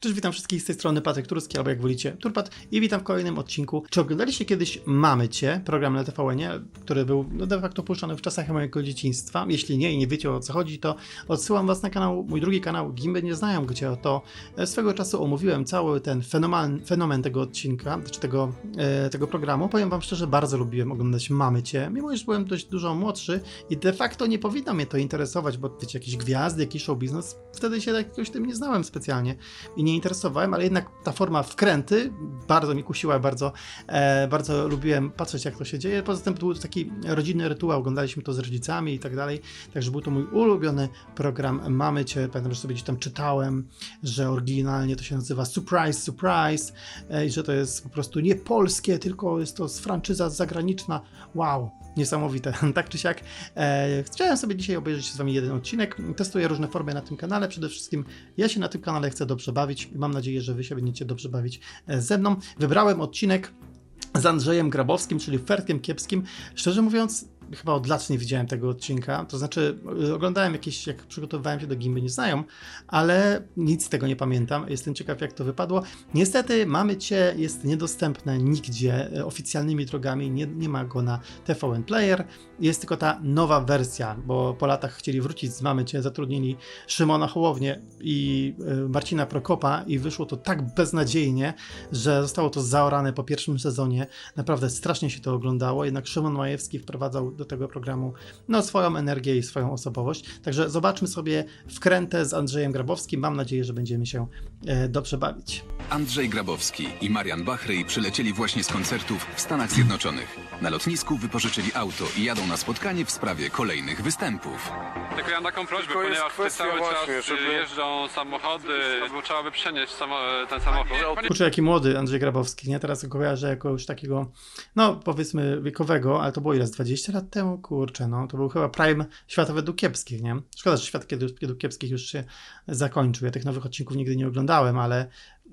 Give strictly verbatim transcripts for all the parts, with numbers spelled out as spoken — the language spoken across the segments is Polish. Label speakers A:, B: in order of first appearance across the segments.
A: Cześć, witam wszystkich z tej strony Patryk Turski, albo jak wolicie Turpat, i witam w kolejnym odcinku. Czy oglądaliście kiedyś Mamy Cię, program na T V N-ie, który był no, de facto puszczany w czasach mojego dzieciństwa? Jeśli nie i nie wiecie, o co chodzi, to odsyłam was na kanał, mój drugi kanał, Gimby nie znają, gdzie oto swego czasu omówiłem cały ten fenomen, fenomen tego odcinka, czy tego, e, tego programu. Powiem wam szczerze, bardzo lubiłem oglądać Mamy Cię, mimo iż byłem dość dużo młodszy i de facto nie powinno mnie to interesować, bo wiecie, jakieś gwiazdy, jakiś show biznes, wtedy się jakoś tym nie znałem specjalnie i nie interesowałem, ale jednak ta forma wkręty bardzo mi kusiła, bardzo, e, bardzo lubiłem patrzeć, jak to się dzieje. Poza tym był to taki rodzinny rytuał, oglądaliśmy to z rodzicami i tak dalej, także był to mój ulubiony program Mamy Cię. Pamiętam, że sobie gdzieś tam czytałem, że oryginalnie to się nazywa Surprise, Surprise e, i że to jest po prostu nie polskie, tylko jest to franczyza zagraniczna. Wow, niesamowite. Tak czy siak, e, chciałem sobie dzisiaj obejrzeć z wami jeden odcinek. Testuję różne formy na tym kanale. Przede wszystkim ja się na tym kanale chcę dobrze bawić i mam nadzieję, że wy się będziecie dobrze bawić ze mną. Wybrałem odcinek z Andrzejem Grabowskim, czyli Fertkiem Kiepskim. Szczerze mówiąc, chyba od lat nie widziałem tego odcinka, to znaczy oglądałem jakieś, jak przygotowywałem się do Gimby nie znają, ale nic z tego nie pamiętam. Jestem ciekaw, jak to wypadło. Niestety Mamy Cię jest niedostępne nigdzie oficjalnymi drogami, nie, nie ma go na T V N Player. Jest tylko ta nowa wersja, bo po latach chcieli wrócić z Mamy Cię, zatrudnili Szymona Hołownię i Marcina Prokopa i wyszło to tak beznadziejnie, że zostało to zaorane po pierwszym sezonie. Naprawdę strasznie się to oglądało, jednak Szymon Majewski wprowadzał do tego programu no, swoją energię i swoją osobowość. Także zobaczmy sobie wkrętę z Andrzejem Grabowskim. Mam nadzieję, że będziemy się e, dobrze bawić.
B: Andrzej Grabowski i Marian Bachryj przylecieli właśnie z koncertów w Stanach Zjednoczonych. Na lotnisku wypożyczyli auto i jadą na spotkanie w sprawie kolejnych występów.
C: Tylko ja mam taką prośbę,
D: Tylko jest
C: ponieważ tutaj
D: kwestia
C: cały
D: właśnie,
C: czas
D: żeby-
C: jeżdżą samochody, bo trzeba by przenieść samo, ten samochód. Panie-
A: Kurczę, jaki młody Andrzej Grabowski, nie? Teraz go kojarzę jako już takiego, no powiedzmy wiekowego, ale to było ile, z dwadzieścia lat temu? Kurczę, no to był chyba prime Świata według Kiepskich, nie? Szkoda, że Świat kiedy- według Kiepskich już się zakończył. Ja tych nowych odcinków nigdy nie oglądałem, ale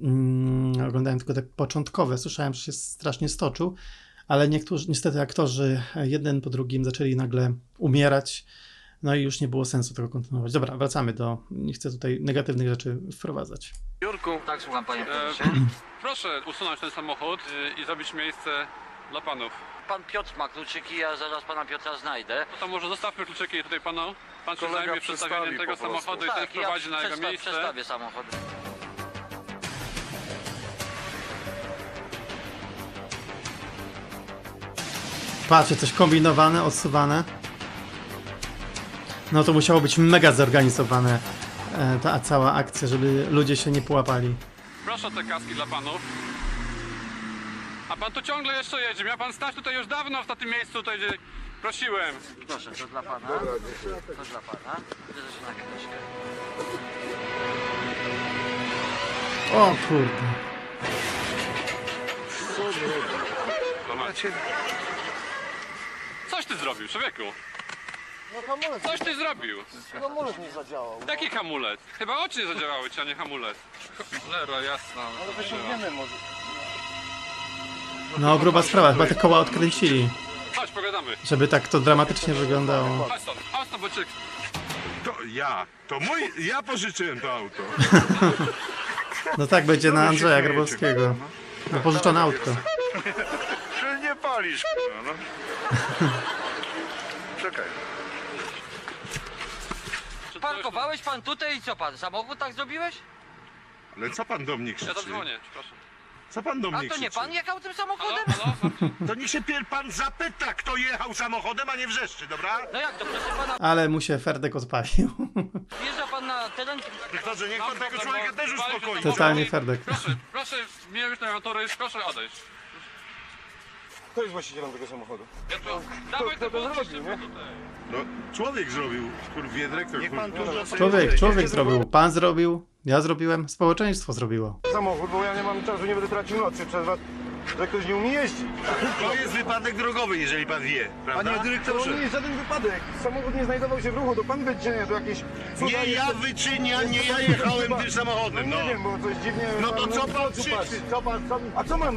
A: mm, oglądałem tylko te początkowe. Słyszałem, że się strasznie stoczył, ale niektórzy, niestety aktorzy jeden po drugim zaczęli nagle umierać, no i już nie było sensu tego kontynuować. Dobra, wracamy do, nie chcę tutaj negatywnych rzeczy wprowadzać.
D: Jurku,
E: Tak, słucham panie
C: E,
E: prezesie.
C: proszę usunąć ten samochód y, i zrobić miejsce dla panów.
E: Pan Piotr ma kluczyki, ja zaraz pana Piotra znajdę.
C: No to może zostawmy kluczyki tutaj panu. Pan się
D: Kolega
C: zajmie
D: przestawi
C: przedstawieniem tego
D: po prostu.
C: samochodu i ten
E: Tak, ja
C: wprowadzi na jego
E: przesta-
C: miejsce.
E: przestawię samochód.
A: Patrzcie, coś kombinowane, odsuwane. No to musiało być mega zorganizowane, e, ta cała akcja, żeby ludzie się nie połapali.
C: Proszę te kaski dla panów. A pan tu ciągle jeszcze jedzie. Miał pan stać tutaj już dawno w tym miejscu, tutaj gdzie prosiłem.
E: Proszę, to dla pana. To dla pana. Prezesie na chwileczkę.
A: O kurde.
C: Coś ty zrobił, człowieku.
D: no hamulec,
C: Coś ty zrobił.
D: hamulec nie zadziałał.
C: Jaki hamulec? Chyba oczy nie zadziałały ci, a nie hamulec. Cholera jasna.
D: Ale wyciągniemy może.
A: No gruba sprawa, chyba te koła odkręcili,
C: Chodź, pogadamy.
A: żeby tak to dramatycznie wyglądało.
C: Chodź stąd, chodź stąd, bo cię...
F: To ja, to mój, ja pożyczyłem to auto.
A: No tak będzie na
F: się
A: Andrzeja
F: śmiejecie,
A: Grabowskiego. No pożyczone autko.
F: Że nie palisz, no. no. Czekaj.
E: Parkowałeś pan tutaj i co pan? Samochód tak zrobiłeś?
F: Ale co pan do mnie
C: Ja
F: krzyczy?
C: tam dzwonię, przepraszam.
F: Co pan do
E: A
F: mnie
E: to nie
F: krzyczy?
E: pan jechał tym
C: Halo,
E: samochodem?
C: halo?
F: To niech się pier pan zapyta, kto jechał samochodem, a nie wrzeszczy, dobra?
E: No jak to, proszę pana,
A: Ale mu się Ferdek odpalił.
E: wjeżdża pan na teren...
F: Dobrze, niech pan tego człowieka też uspokoi.
A: Totalnie Ferdek.
C: Proszę, proszę, mnie już na motory, proszę odejść.
D: Kto jest właścicielem tego samochodu?
C: Ja to... Dawaj
D: kto
C: te
D: to
C: podnieś
D: zrobił,
C: szybko
D: nie?
C: tutaj.
F: No, człowiek zrobił, kurwie dyrektor. Niech pan tu
A: Człowiek, człowiek zrobił, pan zrobił, ja zrobiłem, społeczeństwo zrobiło.
D: Samochód, bo ja nie mam czasu, nie będę tracił nocy przez was, że ktoś nie umie jeździć.
F: To jest wypadek drogowy, jeżeli pan wie, prawda? Panie
D: To
F: dyrektorze.
D: nie jest żaden wypadek. Samochód nie znajdował się w ruchu, to pan wyczynia to jakieś...
F: Nie ja wyczyniam, nie ja jechałem tym
D: No
F: samochodem,
D: nie
F: no.
D: wiem, bo coś dziwnie...
F: No to
D: pan
F: co
D: w
F: pan
D: oczy
F: krzyczy?
D: patrzy. Co pan, co... A co mam?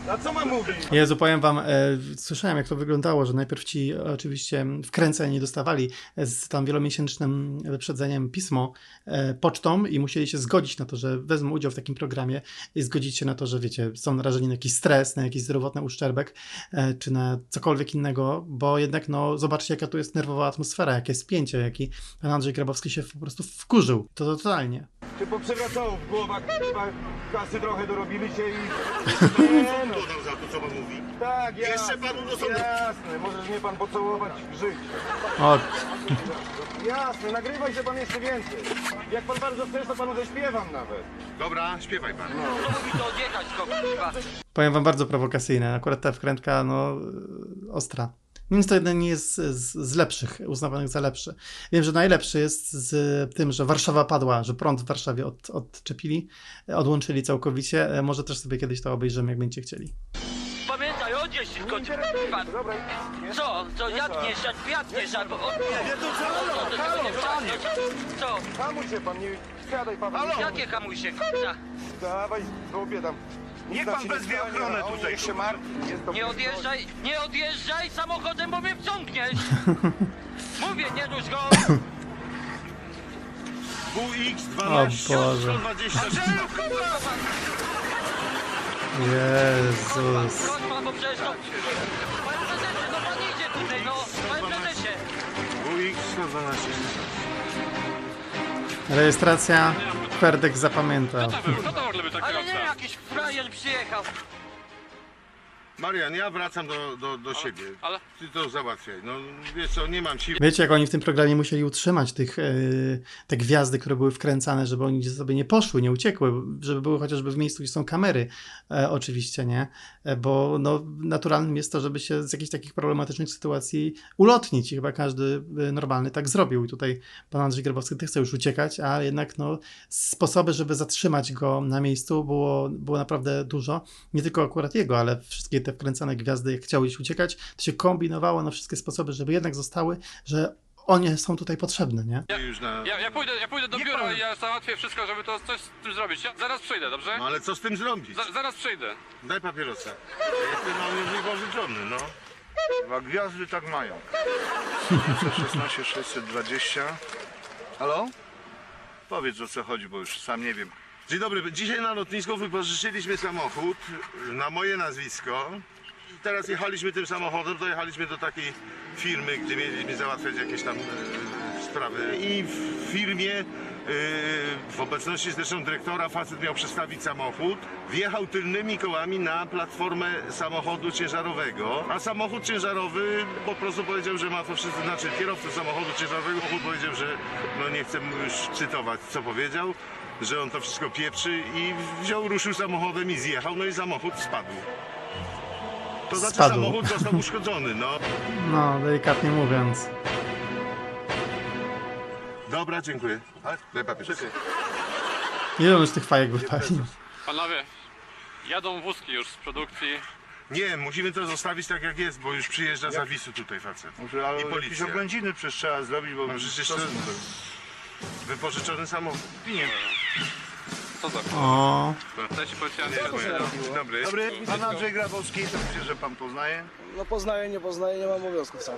D: A co mam mówić?
A: Jezu, powiem wam, e, słyszałem jak to wyglądało, że najpierw ci oczywiście wkręceni dostawali z tam wielomiesięcznym wyprzedzeniem pismo e, pocztą i musieli się zgodzić na to, że wezmą udział w takim programie i zgodzić się na to, że wiecie, są narażeni na jakiś stres, na jakiś zdrowotny uszczerbek, e, czy na cokolwiek innego, bo jednak no zobaczcie jaka tu jest nerwowa atmosfera, jakie spięcie, jaki pan Andrzej Grabowski się po prostu wkurzył. To totalnie.
D: Czy poprzewracało w głowach, chyba kasy trochę dorobiliście i...
F: Nie no. Dodał za to, co pan mówi.
D: Tak, jasne.
F: Jeszcze panu do sądu.
D: Jasne, możesz mnie pan pocałować w życiu.
A: O,
D: Jasne, nagrywaj się pan jeszcze więcej. Jak pan bardzo chce, to panu zaśpiewam nawet.
F: Dobra, śpiewaj pan.
E: To mówi to odjechać go, kurwa.
A: powiem wam bardzo prowokacyjne, akurat ta wkrętka no ostra. Więc to jeden nie jest z, z lepszych, uznawanych za lepszy. Wiem, że najlepszy jest z tym, że Warszawa padła, że prąd w Warszawie od, odczepili, odłączyli całkowicie. Może też sobie kiedyś to obejrzymy, jak będziecie chcieli.
E: Pamiętaj, odjeźdź się kończy, kurwa.
D: Dobra, nie?
E: Co? Co? Jadniesz, jak jadniesz, albo... Nie, to co? Halo, panie! Co?
D: Hamuj się pan, nie wsiadaj pan. Halo.
E: Jakie hamuj się, kurwa?
D: Dawaj, zrobię tam.
F: Niech pan wezwie ochronę tutaj.
D: Niech się martwi. Jest to
E: Nie odjeżdżaj, nie odjeżdżaj samochodem, bo mnie wciągniesz! Mówię, nie dusz go!
F: W X
A: O
F: dwanaście
A: Boże.
F: sto dwadzieścia trzy.
A: Jezus.
E: Chodź pan, bo przecież to... Panie prezesie, no pan idzie tutaj, no! Panie prezesie!
F: W X sto dwanaście.
A: Rejestracja, Ferdek zapamiętał.
C: To był, kto to w ogóle był taki
E: Ale nie,
C: obca?
E: jakiś frajer przyjechał.
F: Marian, ja wracam do, do, do siebie.
C: ale-
F: Ty to załatwiaj. No wiesz co, nie mam siły.
A: Wiecie, jak oni w tym programie musieli utrzymać tych, yy, te gwiazdy, które były wkręcane, żeby oni sobie nie poszły, nie uciekły, żeby były chociażby w miejscu, gdzie są kamery, e, oczywiście, nie? E, bo no, naturalnym jest to, żeby się z jakichś takich problematycznych sytuacji ulotnić i chyba każdy e, normalny tak zrobił. I tutaj pan Andrzej Grabowski ty chce już uciekać, a jednak no, sposoby, żeby zatrzymać go na miejscu było, było naprawdę dużo. Nie tylko akurat jego, ale wszystkie te wkręcane gwiazdy, jak chciały gdzieś uciekać, to się kombinowało na wszystkie sposoby, żeby jednak zostały, że one są tutaj potrzebne, nie?
F: Już na...
C: Ja, ja, pójdę, ja pójdę do
F: Nie
C: biura
F: pan-
C: i ja załatwię wszystko, żeby to coś z tym zrobić. Ja zaraz przyjdę, dobrze?
F: No ale co z tym zrobić?
C: Za, zaraz przyjdę.
F: Daj papierosa. Jestem mały wypożyczony, no.
D: Dwa gwiazdy tak mają. szesnaście sześćset dwadzieścia. Halo?
F: Powiedz o co chodzi, bo już sam nie wiem. Dzień dobry, dzisiaj na lotnisku wypożyczyliśmy samochód na moje nazwisko. Teraz jechaliśmy tym samochodem, dojechaliśmy do takiej firmy, gdzie mieliśmy załatwiać jakieś tam e, sprawy. I w firmie, e, w obecności zresztą dyrektora, facet miał przestawić samochód. Wjechał tylnymi kołami na platformę samochodu ciężarowego, a samochód ciężarowy po prostu powiedział, że ma to wszystko, znaczy kierowca samochodu ciężarowego powiedział, że no nie chcę mu już cytować, co powiedział, że on to wszystko pieprzy i wziął, ruszył samochodem i zjechał, no i samochód spadł. To znaczy
A: Spadł.
F: samochód został uszkodzony, no.
A: No, delikatnie mówiąc.
F: Dobra, dziękuję. Daj papier.
A: Ile on już tych fajek wypalił?
C: Panowie, jadą wózki już z produkcji.
F: Nie, musimy to zostawić tak jak jest, bo już przyjeżdża z awisu tutaj facet.
D: Może ale
F: I
D: jakieś
F: policja.
D: oględziny przecież trzeba zrobić, bo...
F: No przecież
D: co-
F: to wypożyczony samochód.
D: Nie.
C: Co za
A: O,
C: Cześć policjancie.
F: Dzień dobry.
D: Dobry, pan Andrzej Grabowski, to myślę, że pan poznaje.
G: No poznaję, nie poznaję, nie mam obowiązku wcale.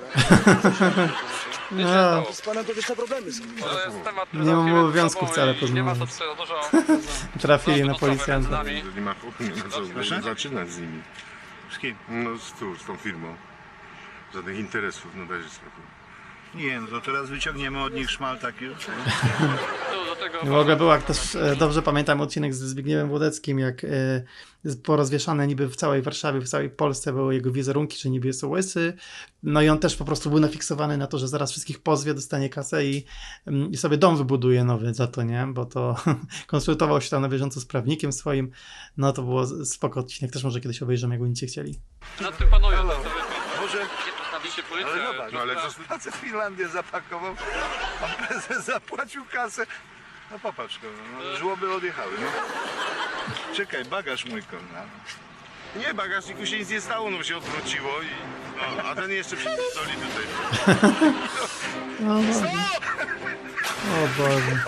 A: no,
G: Z panem to wieczne problemy są.
C: To jest temat, który
A: Nie mam
C: załatwimy
A: obowiązku
C: ze sobą
A: wcale
C: i Nie ma to
A: poznać.
C: tutaj za dużo.
A: trafili na
C: rozmowy między
A: policjanta.
C: nami.
F: Nie ma, nie ma co
D: Proszę?
F: zaczynać z nimi.
D: Z kim?
F: No z, tu, z tą firmą. Żadnych interesów, no dajże spokój.
D: Nie, no to teraz wyciągniemy od nich szmal taki.
C: Tu do tego
A: W ogóle był, jak też e, dobrze pamiętam odcinek z Zbigniewem Włodeckim, jak e, porozwieszane niby w całej Warszawie, w całej Polsce były jego wizerunki, że niby jest łysy. No i on też po prostu był nafiksowany na to, że zaraz wszystkich pozwie, dostanie kasę i, mm, i sobie dom wybuduje nowy za to, nie? Bo to konsultował się tam na bieżąco z prawnikiem swoim. No to było spoko odcinek, też może kiedyś obejrzymy, jak będziecie chcieli.
C: nad tym panują. To sobie
D: Może
C: postawicie policję.
D: Ale zobacz,
F: No ale co...
D: facet Finlandię zapakował, pan prezes zapłacił kasę. No popatrz, no, żłoby odjechały. No. Czekaj, bagaż mój konna.
F: Nie, bagażniku się nic nie stało, no się odwróciło i... No, a ten jeszcze przypisali tutaj.
A: No, Boże. O Boże.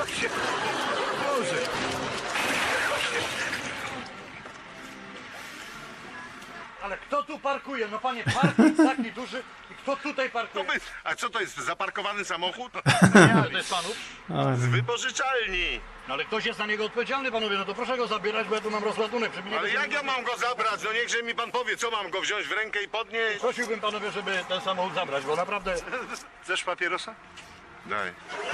D: Boże.
H: tu parkuje? No panie, parking taki duży. I kto tutaj
F: To
H: parkuje?
F: by, a co to jest, zaparkowany samochód?
H: To jest panów?
A: O,
F: Z wypożyczalni.
H: No ale ktoś jest za niego odpowiedzialny, panowie. No to proszę go zabierać, bo ja tu mam rozładunek. Żeby nie
F: Ale
H: było-
F: jak ja mam go zabrać? No niechże mi pan powie, co mam go wziąć w rękę i podnieść?
H: Prosiłbym panowie, żeby ten samochód zabrać, bo naprawdę...
F: Chcesz papierosa? Daj.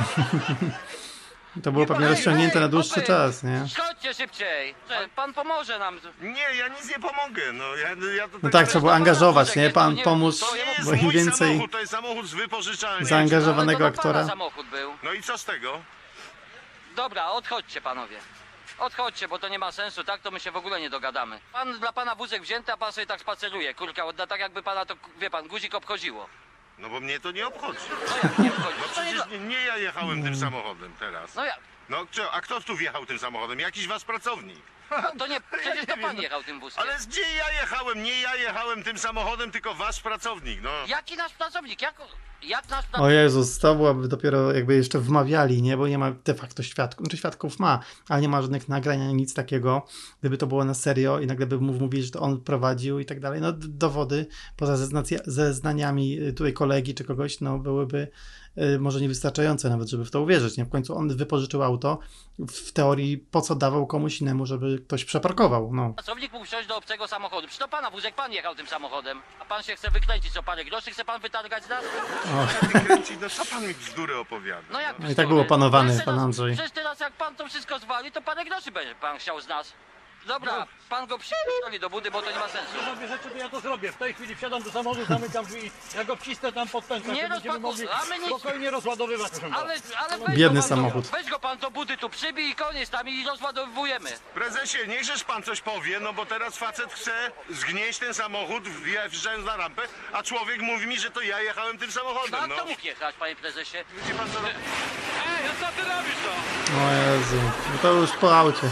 A: to było pewnie rozciągnięte na dłuższy
E: chłopy,
A: czas, nie?
E: Chodźcie szybciej. Że Pan pomoże nam.
F: Nie, ja nic nie pomogę, no ja, ja to
A: No tak, trzeba było angażować, nie? Pan pomóż,
F: To nie jest
A: bo im
F: mój
A: więcej
F: samochód, to jest samochód z wypożyczalni.
A: zaangażowanego
E: Ale to do pana
A: aktora.
E: samochód był.
F: No i co z tego?
E: Dobra, odchodźcie panowie. Odchodźcie, bo to nie ma sensu, tak to my się w ogóle nie dogadamy. Pan dla pana wózek wzięty, a pan sobie tak spaceruje. Kurka, odda tak jakby pana to, wie pan, guzik obchodziło.
F: No bo mnie to nie obchodzi.
E: No jak nie obchodzi?
F: No
E: To nie
F: przecież
E: dla...
F: nie, nie ja jechałem tym samochodem teraz.
E: No jak?
F: No co, a kto tu wjechał tym samochodem? Jakiś wasz pracownik.
E: No, to nie, przecież to
F: nie
E: pan
F: wiem.
E: jechał tym wózkiem.
F: Ale gdzie ja jechałem? Nie ja jechałem tym samochodem, tylko wasz pracownik, no.
E: Jaki nasz pracownik? Jak, jak nasz
A: O
E: pracownik?
A: Jezus, to byłaby dopiero jakby jeszcze wmawiali, nie? Bo nie ma de facto świadków, znaczy świadków ma, ale nie ma żadnych nagrań, ani nic takiego. Gdyby to było na serio i nagle by mu mówili, że to on prowadził i tak dalej, no d- dowody poza zeznacja- zeznaniami y, tutaj kolegi czy kogoś, no byłyby y, może niewystarczające nawet, żeby w to uwierzyć, nie? W końcu on wypożyczył auto, w teorii po co dawał komuś innemu, żeby ktoś przeparkował, no.
E: Pracownik mógł wsiąść do obcego samochodu. Przecież to pana wózek, pan jechał tym samochodem. A pan się chce wykręcić co parę groszy, chce pan wytargać z nas?
F: Kręci, no co pan mi bzdury opowiada?
E: No jak
A: No i tak był opanowany
E: Przecież
A: pan
E: teraz-
A: Andrzej.
E: Przecież teraz jak pan to wszystko zwali, to parę groszy będzie pan chciał z nas. Dobra, pan go przypierdoli do budy, bo to nie ma sensu.
H: Zrobię rzeczy, to ja to zrobię. W tej chwili wsiadam do samochodu, zamykam drzwi. Ja go wcisnę tam pod pętlę.
E: Nie
H: to będziemy
E: rozpakuj-
H: mogli
E: a my nic-
H: spokojnie rozładowywać. proszę pana.
E: Ale, ale weź
A: Biedny
E: go pan
A: samochód.
E: Do, weź go pan do budy tu przybij i koniec tam i rozładowujemy.
F: Prezesie, niechżeż pan coś powie, no bo teraz facet chce zgnieść ten samochód, wje- wjeżdżając na rampę, a człowiek mówi mi, że to ja jechałem tym
E: No
F: samochodem,
E: a
F: no.
E: kto mógł jechać, panie prezesie?
F: Widzi pan co robi?
C: Ej, a co ty robisz to?
A: O Jezu, no to już po aucie.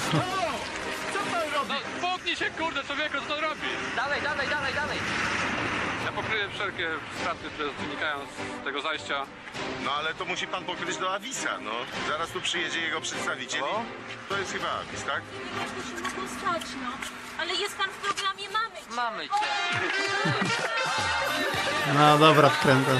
C: No, spoknij się, kurde, człowieku, co to robisz?
E: Dalej, dalej, dalej, dalej.
C: Ja pokryję wszelkie straty, które wynikają z tego zajścia.
F: No ale to musi pan pokryć do Avisa, no. Zaraz tu przyjedzie jego przedstawiciel i to jest chyba Avis, tak?
I: No stać, no. Ale jest pan w programie Mamy Cię.
E: Mamy cię.
A: No dobra, wkręcam.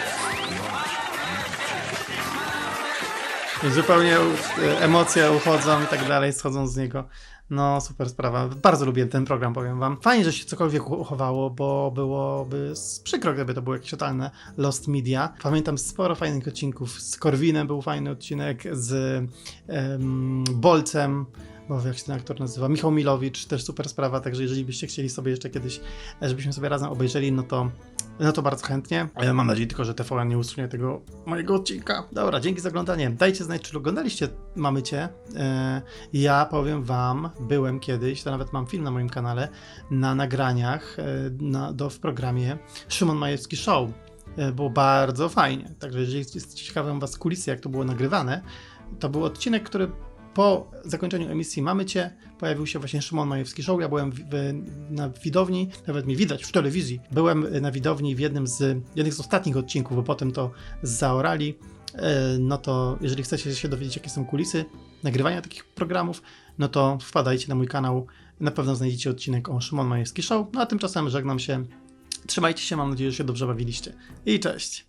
A: I zupełnie e, emocje uchodzą i tak dalej, schodzą z niego. No, super sprawa. Bardzo lubię ten program, powiem wam. Fajnie, że się cokolwiek uchowało, bo byłoby s- przykro, gdyby to było jakieś totalne lost media. Pamiętam sporo fajnych odcinków. Z Korwinem był fajny odcinek, z em, Bolcem, bo jak się ten aktor nazywa, Michał Milowicz, też super sprawa, także jeżeli byście chcieli sobie jeszcze kiedyś, e, żebyśmy sobie razem obejrzeli, no to no to bardzo chętnie. E, Mam nadzieję tylko, że T V N nie usunie tego mojego odcinka. Dobra, dzięki za oglądanie. Dajcie znać, czy oglądaliście Mamy Cię. E, ja powiem wam, byłem kiedyś, to nawet mam film na moim kanale, na nagraniach e, na, do, w programie Szymon Majewski Show. E, było bardzo fajnie. Także jeżeli jest ciekawe was kulisy, jak to było nagrywane, to był odcinek, który po zakończeniu emisji Mamy Cię pojawił się właśnie Szymon Majewski Show. Ja byłem w, w, na widowni, nawet mnie widać w telewizji. Byłem na widowni w jednym z, jednych z ostatnich odcinków, bo potem to zaorali. E, No to jeżeli chcecie się dowiedzieć, jakie są kulisy nagrywania takich programów, no to wpadajcie na mój kanał. Na pewno znajdziecie odcinek o Szymon Majewski Show. No a tymczasem żegnam się. Trzymajcie się, mam nadzieję, że się dobrze bawiliście. I cześć!